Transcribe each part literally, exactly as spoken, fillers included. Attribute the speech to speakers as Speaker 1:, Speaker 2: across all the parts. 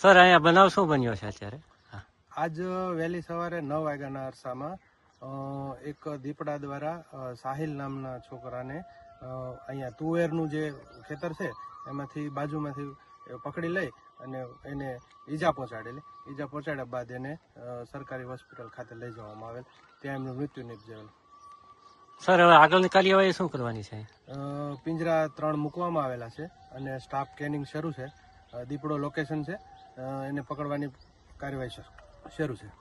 Speaker 1: Sir અહીંયા બનાવ શું બન્યો છે અત્યારે?
Speaker 2: આજ વહેલી સવારે નવ વાગ્યાના અરસામાં અ, એક દીપડા દ્વારા અ, સાહિલ નામના છોકરાને અ, અહીંયા તુવેરનું જે ખેતર છે એમાંથી બાજુમાંથી પકડી લઈ અને એને ઈજા પહોંચાડેલી. ઈજા પહોંચાડ્યા બાદ એને અ, સરકારી હોસ્પિટલ ખાતે લઈ જવામાં આવેલ. ત્યાં એમનું મૃત્યુ નિપજેલ.
Speaker 1: સર હવે આગળની કાર્યવાહી શું કરવાની છે?
Speaker 2: અ, પિંજરા ત્રણ મૂકવામાં આવેલા છે અને સ્ટાફ કેનિંગ શરૂ છે. અ, દીપડો લોકેશન છે, અ, એને પકડવાની કાર્યવાહી શરૂ શરૂ છે.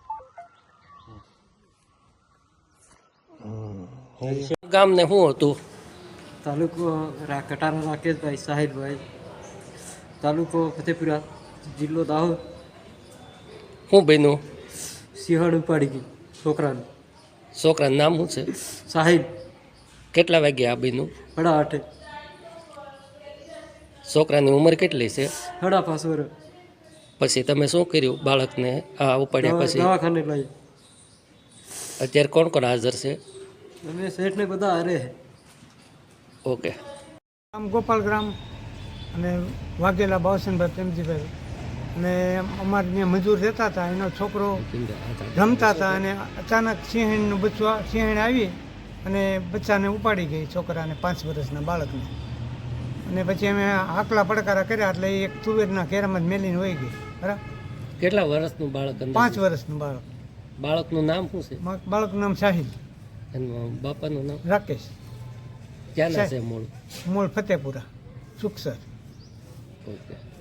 Speaker 3: ગામને શું હતું?
Speaker 4: તાલુકો રા- કટારા રાકેશભાઈ સાહિલભાઈ, તાલુકો ફતેપુરા, જિલ્લો દાહોદ.
Speaker 3: શું બન્યું?
Speaker 4: સિંહણ ઉપાડી ગઈ છોકરાનું.
Speaker 3: છોકરાનું નામ શું છે?
Speaker 4: સાહિલ.
Speaker 3: કેટલા વાગે આ બન્યું?
Speaker 4: હડા આઠે.
Speaker 3: છોકરાની ઉંમર કેટલી છે?
Speaker 4: હડા પાંચ વર્ષ.
Speaker 3: પછી તમે શું કર્યું બાળકને આ ઉપાડ્યા
Speaker 4: દવા-
Speaker 3: પછી?
Speaker 4: દવાખાને લઈ.
Speaker 3: અત્યારે કોણ કોણ હાજર છે?
Speaker 4: અમે શેઠને બધા હારે.
Speaker 3: ઓકે.
Speaker 5: ગામ ગોપાલગ્રામ અને વાઘેલા બાવસનભાઈ પ્રેમજીભાઈ અને અમારે ત્યાં મજૂર રહેતા હતા. એનો છોકરો રમતા હતા અને અચાનક સિંહણનું બચ્ચું સિંહણ આવી અને બચ્ચાને ઉપાડી ગઈ, છોકરાને, પાંચ વર્ષના બાળકને. અને પછી અમે આકલા પડકારા કર્યા એટલે એ એક તુવેરના ઘેરામાં જ મેલીને વહી ગઈ. બરાબર.
Speaker 3: કેટલા વર્ષનું બાળક અંદર?
Speaker 5: પાંચ વર્ષનું બાળક.
Speaker 3: બાળકનું નામ શું છે?
Speaker 5: બા- બાળકનું નામ સાહિલ
Speaker 3: એનું બાપાનું નામ?
Speaker 5: રાકેશ.
Speaker 3: ક્યાંના છે મૂળ?
Speaker 5: મૂળ ફતેપુરા, સુખસર.
Speaker 3: ઓકે.